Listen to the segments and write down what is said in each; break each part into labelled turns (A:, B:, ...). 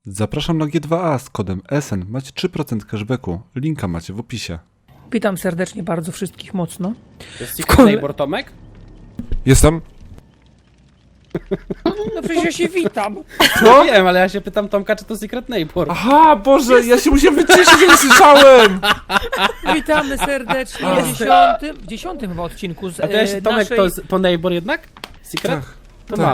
A: Zapraszam na G2A z kodem SN. Macie 3% cashbacku. Linka macie w opisie.
B: Witam serdecznie bardzo wszystkich mocno.
C: To jest Secret Neighbor Tomek?
A: Jestem.
B: No przecież ja się witam.
C: No wiem, ale ja się pytam Tomka, czy to Secret Neighbor.
A: Aha, Boże, ja się musiałem wyciszyć, że nie słyszałem!
B: Witamy serdecznie w 10 chyba odcinku z
C: A to ja się, Tomek,
B: naszej...
C: to Neighbor jednak? Secret?
A: Tak.
C: To
A: tak.
C: mam.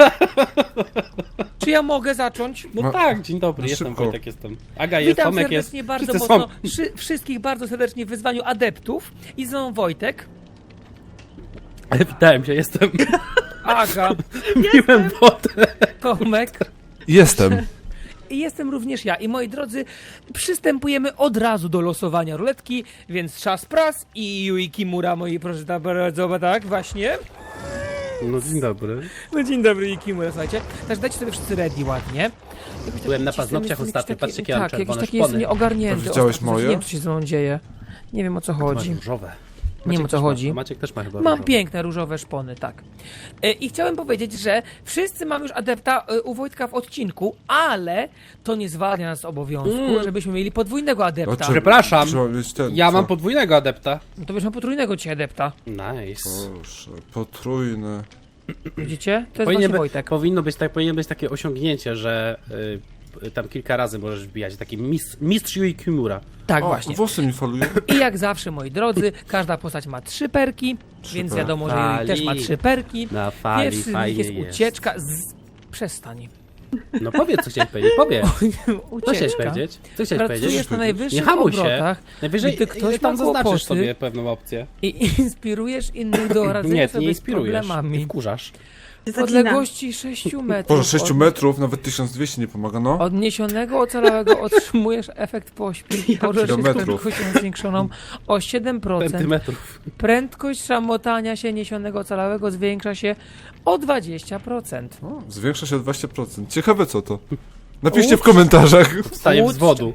B: Czy ja mogę zacząć?
C: No tak, dzień dobry,
A: no
C: jestem
A: szybko.
C: Wojtek, jestem. Aga jest,
B: Witam
C: Tomek jest.
B: serdecznie bardzo
C: Wszyscy
B: mocno
C: są.
B: wszystkich bardzo serdecznie w wyzwaniu adeptów. I z mną Wojtek,
C: Witałem się, jestem.
B: Aga,
C: Piłem wodę.
B: Tomek
A: Jestem.
B: i jestem również ja. I moi drodzy, przystępujemy od razu do losowania ruletki, więc czas pras i Yui Kimura, moi proszę bardzo, tak właśnie.
C: No dzień dobry.
B: No dzień dobry, Yui Kimura, słuchajcie. Także dajcie sobie wszyscy ready ładnie. Jakoś
C: Byłem na
B: jestem
C: paznokciach ostatnio, patrzcie, jakie mam
B: tak, jakiś
C: czerwone
B: taki jest
C: szpony.
B: nieogarnięty.
A: Widziałeś
B: ostatnio,
A: moje?
B: Nie wiem, co się ze mną dzieje. Nie wiem, o co chodzi.
C: Masz różowe.
B: Nie wiem, o co
C: też
B: chodzi.
C: Ma, Maciek też ma chyba
B: Mam
C: różowe.
B: piękne różowe szpony, tak. I chciałem powiedzieć, że wszyscy mamy już adepta u Wojtka w odcinku, ale to nie zwalnia nas z obowiązku, żebyśmy mieli podwójnego adepta.
C: Przepraszam,
A: Trzeba mieć ten,
C: ja
A: co?
C: mam podwójnego adepta.
B: No to weźmy potrójnego dzisiaj adepta.
C: Nice.
A: Proszę, potrójny.
B: Widzicie? To jest właśnie Wojtek.
C: Powinno być takie osiągnięcie, że tam kilka razy możesz wbijać. Taki mistrz Yui Kimura.
B: Tak,
A: O,
B: właśnie.
A: włosy mi faluje.
B: I jak zawsze, moi drodzy, każda postać ma 3 perki, więc wiadomo, że Yui też ma 3 perki.
C: Na fali
B: Pierwszy z nich
C: fajnie
B: jest
C: jest.
B: ucieczka z... Przestań.
C: No powiedz, co chciałeś powiedzieć, powiedz. Co chciałeś
B: Ucieczka.
C: powiedzieć? Co chciałeś powiedzieć?
B: Pracujesz na
C: Nie
B: najwyższych
C: hamuj się.
B: obrotach,
C: Najwyżej
B: gdy ktoś
C: tam
B: ma
C: zaznaczysz
B: kłopoty
C: sobie pewną opcję.
B: i inspirujesz innych do radzenia
C: Nie, ty
B: sobie
C: nie
B: z
C: inspirujesz.
B: problemami.
C: Wkurzasz.
B: W odległości 6 metrów
A: Boże, 6 metrów, nawet 1200 nie pomaga, no.
B: od niesionego ocalałego otrzymujesz efekt pośpiech. Możesz z
A: Kilometrów.
B: prędkością zwiększoną o 7%.
C: Centymetrów.
B: Prędkość szamotania się niesionego ocalałego zwiększa się o 20%.
A: O, zwiększa się o 20%. Ciekawe co to. Napiszcie w komentarzach.
C: Wstaję z wodu.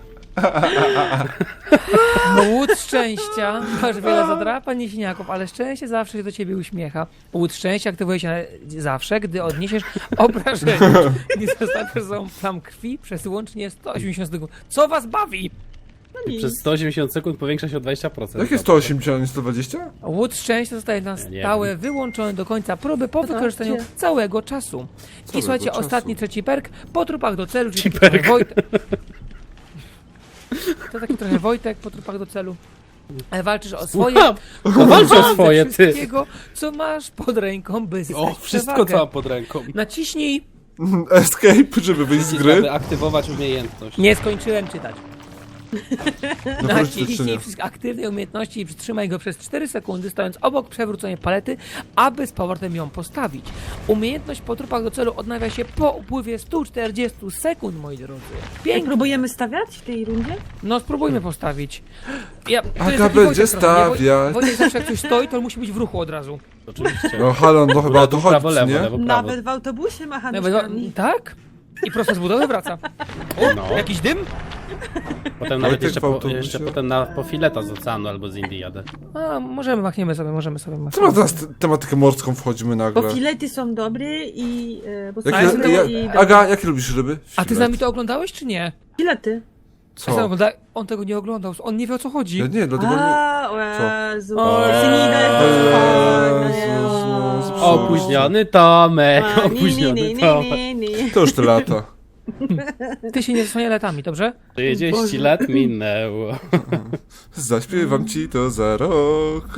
B: Łód szczęścia, masz wiele zadrapań i siniaków, ale szczęście zawsze się do ciebie uśmiecha. Łód szczęścia aktywuje się zawsze, gdy odniesiesz obrażenie. Nie zostawiasz za plam krwi przez łącznie 180 sekund. Co was bawi?
C: Przez 180 sekund powiększa się o 20%.
A: Jakie 180, a nie 120?
B: Łód szczęścia zostaje na
C: Ja nie
B: stałe wyłączony do końca próby po wykorzystaniu całego czasu. I słuchajcie,
A: czasu.
B: ostatni, trzeci perk, po trupach do celu, czyli taki
C: perk.
B: trochę Wojtek. To taki trochę Wojtek po trupach do celu. Walczysz o swoje,
C: Walcz o swoje,
B: ze
C: ty.
B: wszystkiego, co masz pod ręką, by zyskać
C: O, wszystko
B: przewagę.
C: co mam pod ręką.
B: Naciśnij.
A: Escape, żeby wyjść z
C: Aby
A: gry.
C: aktywować umiejętność.
B: Nie skończyłem czytać.
A: No
B: Naciśnij wszystkie aktywne umiejętności i przytrzymaj go przez 4 sekundy, stojąc obok przewróconej palety, aby z powrotem ją postawić. Umiejętność po trupach do celu odnawia się po upływie 140 sekund, moi drodzy.
D: Jak
B: Pięknie.
D: próbujemy stawiać w tej rundzie?
B: No spróbujmy postawić. To jest
A: Aga
B: taki
A: będzie
B: Wojtek trochę, nie?
A: stawiać.
B: Wojtek zawsze jak coś stoi, to musi być w ruchu od razu.
C: Oczywiście.
A: No halo, no chyba o to chodzi,
C: Prawo,
A: czy
C: lewo,
A: nie?
C: lewo, prawo.
D: Nawet w autobusie macha nóżkami.
B: Tak? I prosto z budowy wraca.
C: No.
B: Jakiś dym?
C: Potem nawet
A: Wojtek w autobusie.
C: jeszcze potem po fileta z oceanu albo z Indii jadę.
B: A, możemy sobie machnąć.
A: Co ma teraz tematykę morską wchodzimy nagle?
D: Bo filety są dobre i... Bo są
A: Jakie,
D: dobre i dobre.
A: Aga, jakie lubisz ryby?
B: A ty z nami to oglądałeś, czy nie?
D: Filety.
A: Co?
B: On tego nie oglądał, on nie wie o co chodzi.
A: Ja nie, dlatego nie...
D: A, o Jezu.
A: Jezus.
C: Opóźniony Tomek,
D: A,
C: opóźniony Tomek.
A: To już te lata.
B: Ty się nie zasłaniaj latami, dobrze?
C: 30 lat minęło.
A: Zaśpiewam ci to za rok.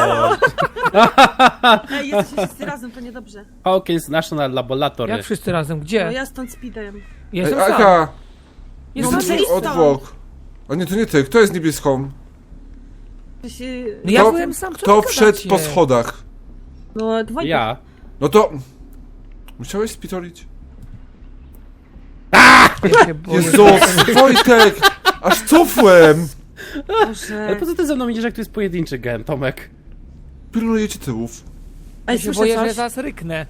D: Ej, jesteście wszyscy razem, to niedobrze.
C: Hawkins National Laboratory.
B: Jak wszyscy razem,
D: No
B: gdzie?
D: ja stąd speedem.
B: Jestem
A: Ej,
B: sam.
A: Aga,
B: Jestem
D: no
B: sam.
D: może-
A: odwłok. A nie, to nie ty. Kto jest niebieską?
D: To się...
B: No ja
A: Kto-
B: byłem sam, co
A: Kto
B: wy
A: wszedł
B: gadacie?
A: po schodach?
D: No, dwojga.
C: Ja.
A: No to... Musiałeś spitolić?
B: Ja się boję.
A: Jezus, Wojtek! Aż cofłem!
C: Ale
D: Boże.
C: po co ty ze mną idziesz, jak to jest pojedynczy gen, Tomek?
A: Pilnuję ci tyłów.
B: Ja
D: Ej,
B: się
D: słyszę
B: boję, że
D: coś?
B: zaraz ryknę.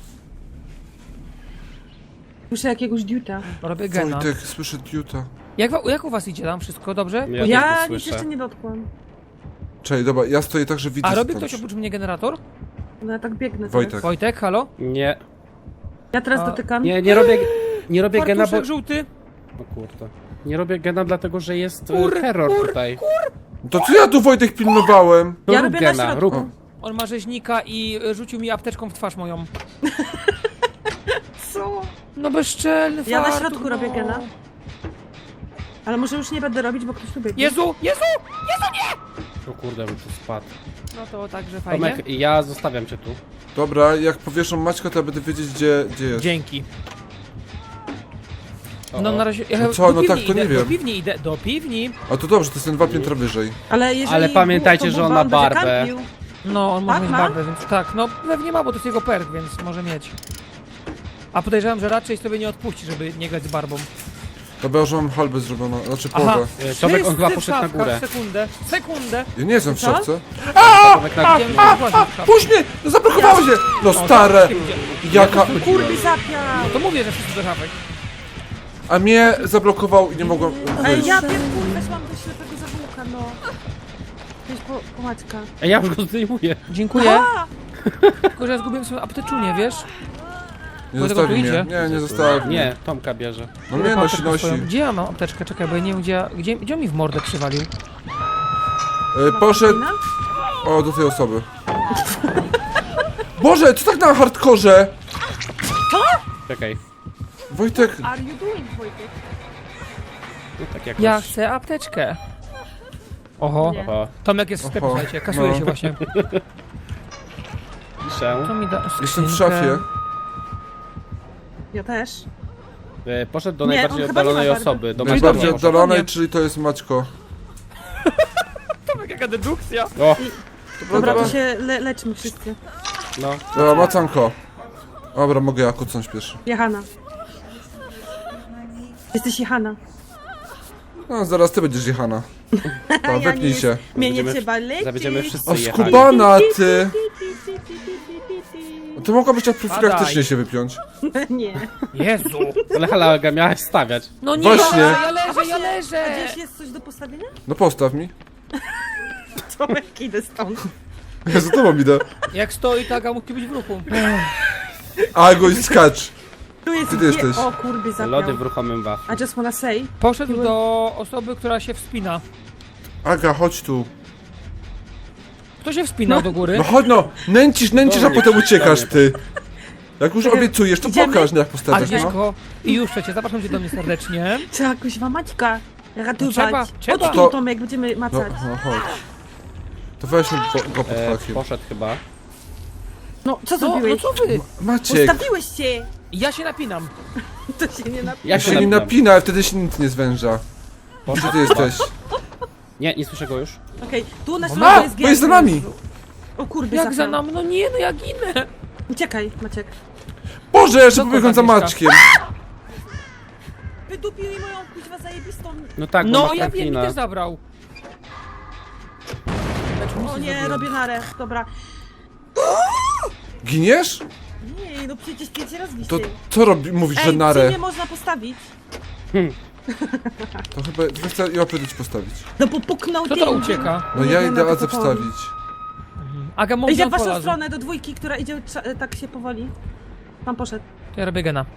D: Słyszę jakiegoś diuta.
B: Robię gena.
A: Wojtek, słyszę diuta.
B: Jak u was idzie tam? Wszystko dobrze?
C: Ja też
D: Ja
C: to
D: nic
C: słyszę.
D: jeszcze nie dotkłam.
A: Czekaj, dobra, ja stoję tak, że widzę
B: A robi
A: stąd.
B: ktoś oprócz mnie generator?
D: No ja tak biegnę
A: Wojtek.
D: teraz.
B: Wojtek, halo?
C: Nie.
D: Ja teraz
B: A,
D: dotykam.
C: Nie robię gena, bo...
B: Fartuszek żółty?
C: O kurde. Nie robię gena dlatego, że jest
B: Kur,
C: terror
B: kur,
C: tutaj.
A: To co ja tu, Wojtek, pilnowałem?
C: No
D: Ja
C: rób
D: robię na
C: gena,
D: środku.
C: rób.
B: On ma rzeźnika i rzucił mi apteczką w twarz moją.
D: Co?
B: No bezczelny
D: Ja na
B: fartuch,
D: środku
B: no.
D: robię gena. Ale może już nie będę robić, bo ktoś tu biegnie.
B: Jezu! Jezu!
C: O kurde, bym tu spadł.
B: No to także fajnie.
C: Tomek, ja zostawiam cię tu.
A: Dobra, jak powieszą Maćka, to ja będę wiedzieć, gdzie jest.
B: Dzięki.
C: O,
B: No
C: o.
B: na razie...
A: No co, no
B: do
A: tak,
B: piwni
A: to nie
B: idę,
A: wiem.
B: Do piwni idę, do piwni.
A: A to dobrze, to jest ten 2 piętra wyżej.
D: Ale jeżeli
C: Ale pamiętajcie,
D: to
C: że on
D: Buba
C: ma
D: będzie
C: barbę.
D: kampił.
B: No, on może
D: Tak,
B: mieć
D: ma?
B: barbę, więc tak. No pewnie ma, bo to jest jego perk, więc może mieć. A podejrzewam, że raczej sobie nie odpuści, żeby nie grać z barbą.
A: Dobra, już mam halbę zrobioną, znaczy
B: Aha.
A: połowę.
C: Tomek, on chyba
B: Wszyscy w
C: poszedł na
B: szafkach,
C: górę.
B: Sekundę.
A: Ja nie jestem w
D: Co?
A: szafce.
C: Tomek na
B: Idziemy się właśnie w szafkę.
A: Puść mnie! No zablokowało się! No stare! Jaka...
D: Kurby zapiał!
B: No to mówię, że wszyscy do szafek.
A: A mnie zablokował i nie mogłem
D: Ej,
A: wyjść.
D: ja pierdolę, weszłam do ślepego zawółka, no. Weź po Maćka.
C: Ej, ja już go zdejmuję.
B: Dziękuję.
D: A!
B: Tylko, że ja zgubiłem swoją apteczunię, wiesz?
A: Nie
B: Bo tego
A: zostawi
B: tu
A: mnie.
B: idzie.
A: Nie, nie zostawi.
C: Nie, Tomka bierze.
A: No mnie nosi,
B: Apteczkę
A: nosi.
B: swoją. Gdzie ja mam apteczkę? Czekaj, bo ja nie wiem, gdzie on mi w mordę przywalił.
A: Poszedł... O, do tej osoby. Boże, co tak na hardkorze?
C: Czekaj.
A: Wojtek,
D: Are you doing, Wojtek?
C: No tak jakoś.
B: Ja chcę apteczkę. Oho.
D: Nie.
C: O,
B: Tomek jest w sklepie,
A: Oho.
B: słuchajcie, kasuje
A: No.
B: się właśnie.
C: piszę.
B: To mi da
A: jestem w
B: skrzynkę.
A: szafie.
D: Ja też.
C: Poszedł do
D: Nie,
C: najbardziej
D: on chyba nie ma
C: oddalonej
D: barwy.
C: osoby. Do
A: Najbardziej
C: Maćka poszedł.
A: oddalonej,
B: Nie.
A: czyli to jest Maćko.
B: Tomek, jaka dedukcja.
C: O,
D: Dobra, to się leczmy wszyscy.
C: no.
A: Dobra, macanko. Dobra, mogę ja kucnąć pierwszy.
D: Jehana. Jesteś Jehana.
A: No, zaraz ty będziesz jechana.
D: A
A: To, wypnij się.
D: Mnie nie
C: Będziemy-
D: trzeba lecieć.
C: Zawiedziemy wszyscy
A: O,
C: jechali.
A: skubana ty! No to mogłabyś tak profilaktycznie się wypiąć.
D: Nie.
B: Jezu.
C: Ale halaga miałaś stawiać.
B: No nie,
A: Właśnie.
B: ja leżę, ja
D: A
B: leżę.
D: gdzieś jest coś do postawienia?
A: No postaw mi.
D: Tomek, idę stąd.
A: Ja za tobą idę.
B: Jak stoi tak, a musi być w ruchu.
A: A, go i skacz.
D: Tu jest
A: Gdzie ty jesteś?
D: O kurby zapiał.
C: Lody w ruchomym waflu.
D: I just wanna say.
B: Poszedł do osoby, która się wspina.
A: Aga, chodź tu.
B: Kto się wspinał do góry?
A: No chodź no, nęcisz, a potem uciekasz ty. Jak już obiecujesz, to
D: Idziemy?
A: pokaż, jak postawisz, no.
B: Agnieszko, i już przecież, zapraszam cię do mnie serdecznie.
D: Trzeba jakoś Maćka ratować.
B: trzeba.
D: Chodź
A: To-
D: tu, Tomek, będziemy
A: No,
D: macać.
A: no chodź. To weźmy go pod hakiem.
C: Poszedł chyba.
D: No, co
B: No,
D: zrobiłeś?
B: no co wy?
A: Maciek,
D: Postawiłeś się!
B: Ja się napinam.
D: To się nie napi...
C: Ja
A: się nie napina, ale wtedy się nic nie zwęża. Gdzie ty jesteś?
C: Nie, nie słyszę go już.
D: Okej, tu na
A: A,
D: środku jest
A: bo jest za nami!
D: O kurby
B: Jak za
D: zapiał.
B: nami? No nie, no ja ginę.
D: Uciekaj, Maciek.
A: Boże, jeszcze
B: Dokąd,
A: pobiegłem za
B: Agnieszka?
A: Maćkiem.
D: Wydupił mi moją kuźwa zajebistą...
C: No tak, bo
B: No
C: ma
B: ja wiem, mi
C: Franklina.
B: też zabrał.
D: O nie, robię narę. Dobra.
A: Giniesz?
D: Nie, no przecież 5 razy
A: To
D: wisi.
A: co mówisz, że
D: Ej,
A: narę?
D: czy nie można postawić?
A: To chyba chcę ją oprócz postawić.
D: No bo puknął
B: Kto
D: tym.
B: to ucieka?
A: No
D: Nie
A: ja
D: wiem,
A: idę
D: na to
A: Adze
D: powoli.
A: wstawić.
B: Aga,
D: Idzie
B: mówię
D: w waszą
B: polazu.
D: stronę, do dwójki, która idzie tak się powoli. Pan poszedł.
B: To ja robię gena.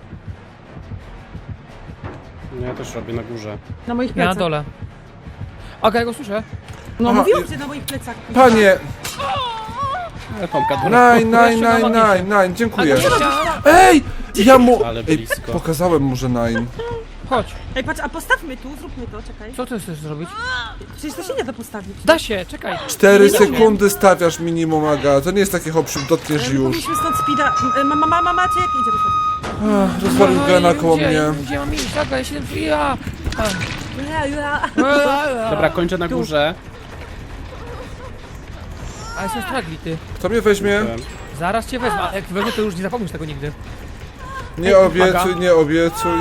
C: No ja też robię na górze.
D: Na moich
B: Ja
D: plecach.
B: na dole. Aga, ja go słyszę.
D: No
A: Aha,
D: mówiłam, że na moich plecach.
A: Panie,
C: Ale Tomka do
A: nine, dziękuję.
B: Aga,
A: Ej, ja mu...
C: Ale
A: Ej,
C: blisko.
A: pokazałem mu, że nine.
B: chodź.
D: Ej, patrz, a postawmy tu, zróbmy to, czekaj.
B: Co ty chcesz zrobić?
D: Przecież to się nie da postawić.
B: Da się, czekaj.
A: 4
D: Nie umiem.
A: sekundy stawiasz minimum, Aga. To nie jest takie hop, dotkniesz
D: Ale
A: już.
D: Powinniśmy stąd speeda. Maciek, idziemy stąd.
A: Rozwalił gena koło
B: Gdzie?
A: mnie.
B: Gdzie mam iść? Aga, ja się... Ja.
C: Dobra, kończę na górze.
B: A jestem straglity.
A: Kto mnie weźmie?
B: Zaraz cię wezmę, ale jak wezmę, to już nie zapomnisz tego nigdy.
A: Nie obiecuj, nie obiecuj.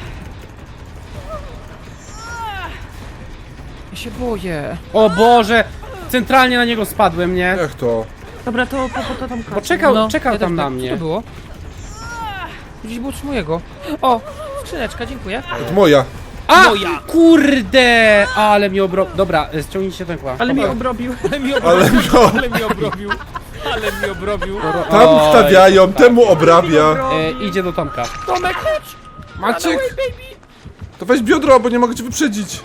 B: Ja się boję.
C: O Boże! Centralnie na niego spadłem, nie?
A: Jak to?
D: Dobra, to po Tomka.
C: Bo czekał
B: ja
C: tam
B: też
C: na
B: tak. Co
C: mnie.
B: to było? Gdzieś było coś mojego. O, skrzyneczka, dziękuję.
A: To moja.
C: A!
B: Moja.
C: Kurde! Ale mnie Dobra, ściągnijcie ten kła.
D: Ale mnie obrobił.
B: Ale mi
A: Ale
B: obrobił.
A: no,
B: Ale mi obrobił. Ale mi obrobił.
A: tam
C: Oj,
A: wstawiają, temu obrabia.
C: Idzie do Tomka.
B: Tomek, chodź!
A: Maciek,
B: Baby!
A: To weź biodro, bo nie mogę cię wyprzedzić.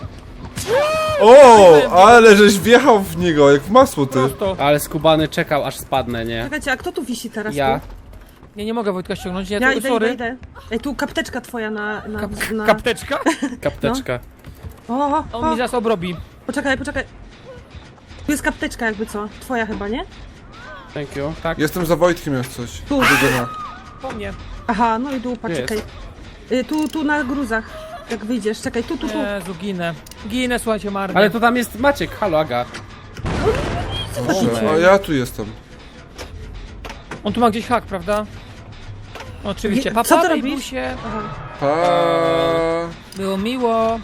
A: O, ale żeś wjechał w niego, jak w masło ty.
B: Prosto.
C: Ale skubany czekał, aż spadnę, nie?
D: Czekajcie, a kto tu wisi teraz?
C: Ja.
D: Tu?
B: Ja nie mogę Wojtka ściągnąć,
D: Ja
B: tu,
D: idę,
B: sorry.
D: idę. Ej, tu kapteczka twoja na...
B: Kapteczka?
C: Kapteczka.
D: O,
B: On mi zaraz obrobi.
D: poczekaj. Tu jest kapteczka jakby co? Twoja chyba, nie?
C: Thank you. Tak.
A: Jestem za Wojtkiem jak coś.
D: Tu.
A: Biegana.
B: Po mnie.
D: Aha, no i dupa,
C: Jest.
D: czekaj. Tu na gruzach. Jak wyjdziesz, czekaj, tu.
B: Jezu, ginę. Ginę, słuchajcie, marnie.
C: Ale to tam jest Maciek, halo Aga.
A: Dobrze, a ja tu jestem.
B: On tu ma gdzieś hak, prawda? Oczywiście.
D: Co ty
B: Papa,
D: robisz?
B: Bejbusie.
D: Aha.
A: Pa.
B: Było miło.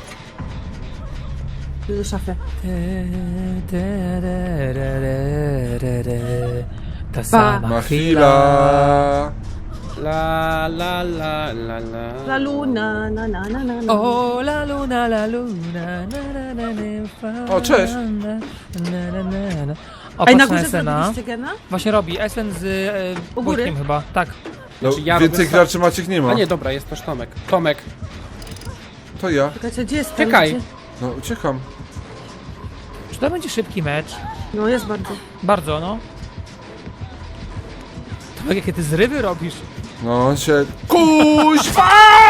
D: Do szafy.
B: Ta sama
A: Ma
B: chwila.
A: chwila.
C: La la la la
D: La
C: la.
D: luna, na.
B: O, la luna, na, na, na, na,
A: O, cześć.
B: na, na, na, na. O,
D: Ej, na
B: patrz
D: górze
B: Esena.
D: zrobiliście gena?
B: Właśnie robi. Esen z
D: U góry?
B: Wojtkiem chyba. Tak.
A: No,
C: Znaczy, ja
A: więcej
C: robię
A: graczy Maciek nie ma.
C: A nie, dobra, jest też Tomek. Tomek.
A: To ja.
D: Czekajcie, gdzie jest
C: Czekaj.
D: ten?
A: No, uciekam.
B: Czy to będzie szybki mecz?
D: No, jest bardzo.
B: Bardzo, no. To jakie ty zrywy robisz?
A: No, on się... Kuźwa!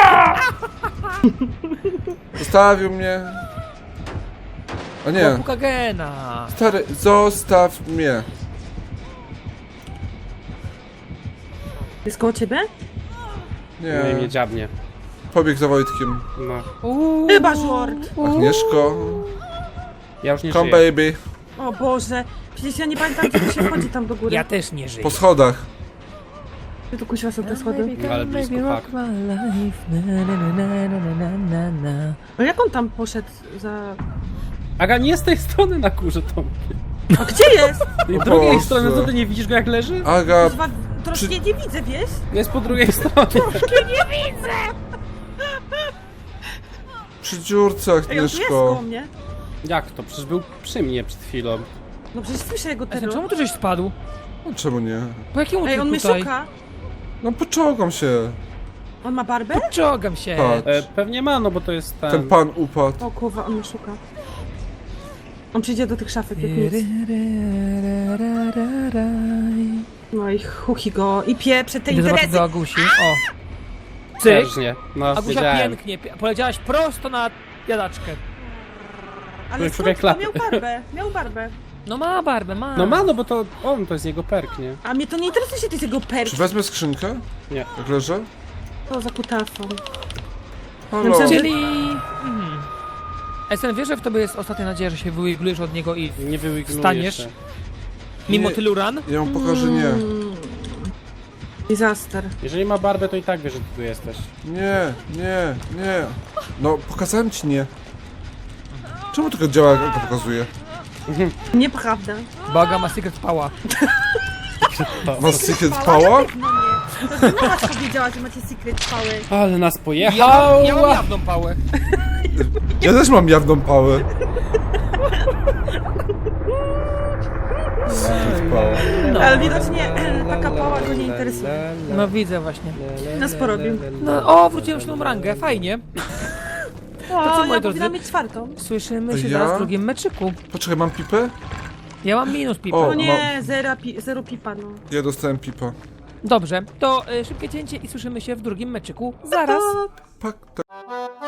A: Zostawił mnie. A nie.
B: Puka gena.
A: Stary, zostaw mnie.
D: Jest koło ciebie?
C: Nie, mnie
A: Nie.
C: dziabnie.
A: Pobiegł za Wojtkiem.
C: No.
D: Chyba żort.
A: Agnieszko.
C: Ja już nie
A: Come
C: żyję.
A: baby.
D: O Boże. Przecież ja nie pamiętam, gdzie się wchodzi tam do góry.
B: Ja też nie żyję.
A: Po schodach.
D: Gdzie tu kusiła są te schody?
C: Ale blisko,
B: rock
C: tak.
B: my life. Na, na, na, na, na, na, na.
D: No jak on tam poszedł za...
C: Aga, nie z tej strony na górze, Tomek.
D: A gdzie jest?
C: Z
A: O
C: drugiej
A: Boże.
C: strony, co ty nie widzisz go jak leży?
A: Aga,
D: Kuźwa, troszkę nie widzę, wiesz?
C: Jest po drugiej stronie.
A: przy dziurce,
D: Ej, on tu jest koło
A: Agnieszko.
D: mnie.
C: Jak to? Przecież był przy mnie przed chwilą.
D: No przecież słyszę jego
B: Esen,
D: terror.
B: czemu tu żeś spadł?
A: No, czemu nie?
B: Po jakim
D: Ej, on mnie
B: tutaj?
D: szuka.
A: No, poczołgam się.
D: On ma barbę?
B: Czołgam się.
A: Patrz.
C: Pewnie ma, no bo to jest ten...
A: Ten pan upadł.
D: O kurwa, on mnie szuka. On przyjdzie do tych szafek, jak nic. No i chuchi go. I pieprze tej
B: Idę zobaczyć
D: Terezy.
B: do Agusi. O. Cyk.
C: Też nie. No,
B: Agusia
C: wiedziałem.
B: pięknie. Poleciałaś prosto na jadaczkę.
D: Ale
C: Szukaj
D: skąd?
C: klapy.
D: Miał barbę. Miał barbę.
B: No ma barbę, ma.
C: No ma, no bo to on, to jest jego perk, nie?
D: A mnie to nie interesuje się, to jest jego perk.
A: Czy wezmę skrzynkę?
C: Nie.
A: Jak leżę?
D: To za kutafą.
A: Halo.
D: myślałam, że-
B: Czyli... Esen, wiesz, że w tobie jest ostatnia nadzieja, że się wyigulujesz od niego i
C: Nie wyłignuję
B: Wstaniesz?
C: się.
B: mimo
A: Nie.
B: tylu ran?
A: Ja mu pokażę nie.
D: Disaster.
C: Jeżeli ma barbę, to i tak wie, że ty tu jesteś.
A: Nie, nie, nie. No, pokazałem ci nie. Czemu tylko działa, jak to pokazuje?
D: Nieprawda.
B: Baga ma secret power.
A: Masz secret power?
D: No nie. To ty nas powiedziała, że macie secret power.
C: Ale nas
B: Ja
C: pojechał!
B: mam jawną pałę.
A: Ja też mam jawną pałę. Secret power.
B: No.
D: Ale widocznie taka pała go nie interesuje.
B: No widzę właśnie.
D: Nas porobił.
B: No, o, wróciłem się na rangę, fajnie.
D: O,
B: co, moi
D: ja
B: drodzy?
D: powinna mieć czwartą.
B: Słyszymy się
A: Ja?
B: zaraz w drugim meczyku.
A: Poczekaj, mam pipę?
B: Ja mam minus pipa.
A: O.
D: No nie, zero pipa, no.
A: Ja dostałem pipa.
B: Dobrze, to szybkie cięcie i słyszymy się w drugim meczyku zaraz.
A: Pak, tak.